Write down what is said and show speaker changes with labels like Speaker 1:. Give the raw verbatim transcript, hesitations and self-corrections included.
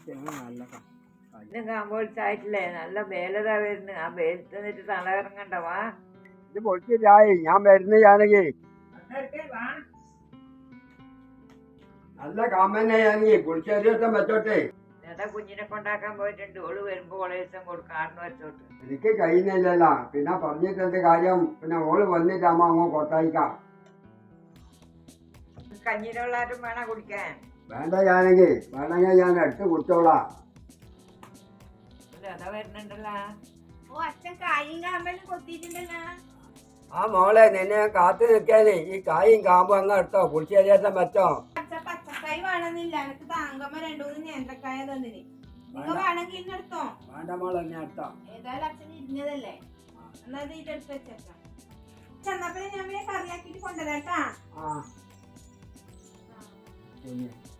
Speaker 1: ഇന്ന് കാമ്പോളിച്ചായിട്ടില്ലേ? നല്ല വേലതാ വരുന്നു. ആ വേലത്ത് നിന്നിട്ട് തളയിറങ്ങണ്ടവാ.
Speaker 2: ഇത് പൊളിച്ചില്ലായി, ഞാൻ വരുന്ന ജാനകി. നല്ല കാമന്നെ ജാനകി, പൊളിച്ചേരിയൊക്കെ വെച്ചോട്ടെ.
Speaker 1: നേതാ കുഞ്ഞിനെ കൊണ്ടാക്കാൻ പോയിട്ടുണ്ട്. ഓള് വരുമ്പോ ഓളെ ദിവസം കൊടുക്കാറിന് വെച്ചോട്ട്.
Speaker 2: എനിക്ക് കഴിയുന്നില്ലല്ലോ, പിന്നെ പറഞ്ഞിട്ടെന്ത് കാര്യം? പിന്നെ ഓള് വന്നിട്ടാകുമ്പോ അങ്ങ് കൊട്ടായിക്കാം.
Speaker 1: കഞ്ഞിയിലുള്ളാരും വേണം കുടിക്കാൻ.
Speaker 2: വേണ്ട ജാനകി, വേണമെങ്കിൽ ഞാൻ എടുത്ത് കുടിച്ചോളാം.
Speaker 1: നേതാ വരുന്നുണ്ടല്ലോ.
Speaker 3: ഓ അച്ഛൻ കായും കാമ്പലും കൊത്തിയിട്ടുണ്ടല്ലോ.
Speaker 2: ആ മോളെ, നിന്നെ കാത്തു നിൽക്കാനേ ഈ കായും കാമ്പും അങ്ങ് എടുത്തോ, പുളിശ്ശേരിയേസം വെച്ചോ.
Speaker 3: അച്ഛൻ പച്ചക്കായ് വേണമെന്നില്ല, എനിക്ക് താങ്കമ്മ രണ്ടു മൂന്ന് നേന്ത്രക്കായ തന്നിന്. നിങ്ങൾ വേണമെങ്കിൽ ഇന്നെടുത്തോ.
Speaker 2: വേണ്ട മോളെ, ഞാൻ എടുത്തോ.
Speaker 3: ഏതായാലും അച്ഛൻ ഇരിഞ്ഞതല്ലേ, എന്നാ ഇത് ഇതെടുത്ത് വെച്ചേക്കാം. ചെന്നപ്പോ ഞാൻ കറിയാക്കിട്ട് കൊണ്ടുവരാട്ടാ.
Speaker 2: ആ